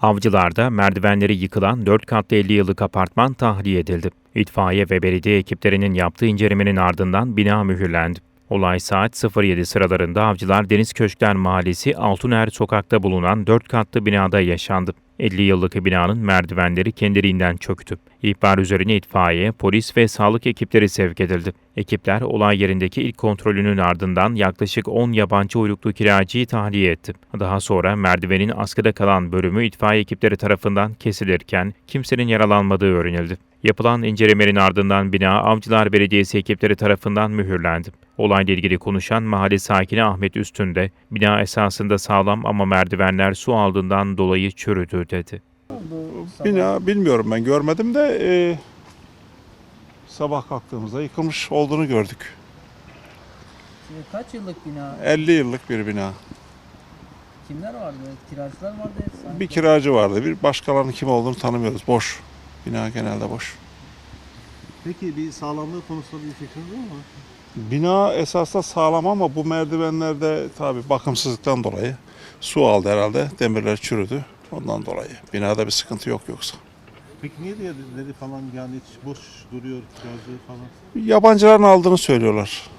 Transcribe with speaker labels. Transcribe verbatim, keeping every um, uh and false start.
Speaker 1: Avcılar'da merdivenleri yıkılan dört katlı elli yıllık apartman tahliye edildi. İtfaiye ve belediye ekiplerinin yaptığı incelemenin ardından bina mühürlendi. Olay saat sıfır yedi sıralarında Avcılar Deniz Köşkler Mahallesi Altuner Sokak'ta bulunan dört katlı binada yaşandı. elli yıllık binanın merdivenleri kendiliğinden çöktü. İhbar üzerine itfaiye, polis ve sağlık ekipleri sevk edildi. Ekipler olay yerindeki ilk kontrolünün ardından yaklaşık on yabancı uyruklu kiracıyı tahliye etti. Daha sonra merdivenin askıda kalan bölümü itfaiye ekipleri tarafından kesilirken kimsenin yaralanmadığı öğrenildi. Yapılan incelemenin ardından bina Avcılar Belediyesi ekipleri tarafından mühürlendi. Olayla ilgili konuşan mahalle sakini Ahmet Üstün de bina esasında sağlam ama merdivenler su aldığından dolayı çürüdü dedi.
Speaker 2: Bina bilmiyorum, ben görmedim de e, sabah kalktığımızda yıkılmış olduğunu gördük.
Speaker 3: Kaç yıllık bina?
Speaker 2: elli yıllık bir bina.
Speaker 3: Kimler vardı? Kiracılar vardı. Sanki.
Speaker 2: Bir kiracı vardı. Bir başkalarının kim olduğunu tanımıyoruz. Boş. Bina genelde boş.
Speaker 4: Peki bir sağlamlığı konusunda bir fikriniz var mı?
Speaker 2: Bina esasda sağlam ama bu merdivenlerde tabii bakımsızlıktan dolayı su aldı herhalde. Demirler çürüdü. Ondan dolayı. Binada bir sıkıntı yok yoksa.
Speaker 4: Peki niye diye dedi falan, yani hiç boş duruyor kiracı falan?
Speaker 2: Yabancıların aldığını söylüyorlar.